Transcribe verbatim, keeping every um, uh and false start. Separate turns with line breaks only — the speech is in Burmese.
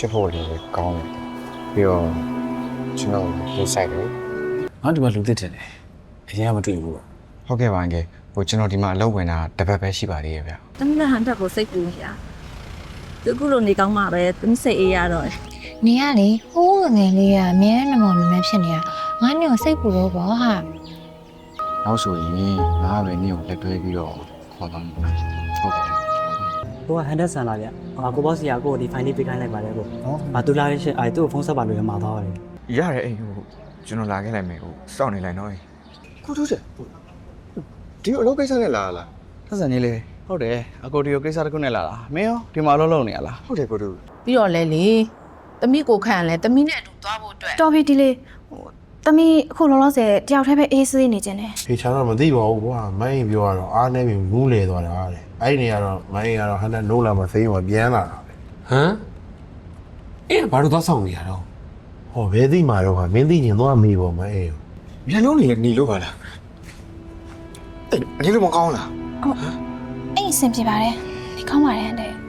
ဖြစ်ဖို့လည်းကောင်းတယ်ပြီးတော့ကျွန်တော်လေးဆိုင်တယ်
ငါဒီမှာလူသစ်တယ်လေအရင်ကမတွေ့ဘူးပေါ့
ဟုတ်ကဲ့ပါအန်ကယ်ဟိုကျွန်တော်ဒီမှာအလုပ်ဝင်တာတစ်ပတ်ပဲရှိပါသေးရဲ့ဗျ
တမီးလည်းဟန်တက်ကိုစိတ်ပူနေရသူခုလိုနေကောင်းမှပဲတမီးစိတ်အေးရတော့
နေရလေဟိုးငယ်လေးကအမြဲနမောင်နမဲဖြစ်နေတာငါနေကိုစိတ်ပူလို့ပေါ့ဟာ
နောက်ဆိုရင်ငါပဲနေကိုလက်တွဲပြီးတော့ခေါ်သွားမှာဟုတ်ကဲ့
ကိုကဟန်ဒက်ဆန်လာဗျအာကိုဘော့စီယာကိုဒီဖိုင်လေးပေးခိုင်းလိုက်ပါတယ်ကိုနော်အာသူလာရရှင်အဲသူ့ကိုဖုန်းဆက်ပါလို့ရမှာသွားပါတယ်
ရတယ်အိမ်ဟိုကျွန်တော်လာခဲ့လိုက်မယ်ဟိုစောင့်နေလိုက်တော့ကိုတို့တဲ့ဒီအလုပ်ကိစ္စနဲ့လာလား
ဆက်ဆံကြီးလေဟုတ်တယ်အကိုဒီကိုကိစ္စတစ်ခုနဲ့လာတာမင်းရောဒီမှာအလုပ်လုပ်နေရလား
ဟုတ်တယ်ကိုတို့
ပြီးတော့လဲလေသမီးကိုခန့်လဲသမီးနဲ့အတူသွားဖို့အတွက်
တော်ပြီဒီလေးဟိုတမီးအခုလောလောဆယ်တယောက်တည်းပဲအေးဆေးနေကြတယ်
ဖေချာတော့မသိပါဘူးကွာမိုင်းပြောရတော့အားနေပြီမူးလေသွားတာတဲ့အဲ့ဒီနေရာတော့မိုင်းကတော့ဟန်တဲ့နိုးလာမသိရင်ပြန်လာတာပဲ
ဟမ်အဲ့ဘာလို့သွားဆောင်နေရတော့
ဟောဘယ်သိမှာတော့ဟာမင်းသိရင်သွားမေးပေါ့မအေး
မျက်လုံးနေနေလို့ပါလားအဲ့နေလို့မကောင်းလား
အဲ့အဆင်ပြေပါတယ်ဒီကောင်းပါတယ်တဲ့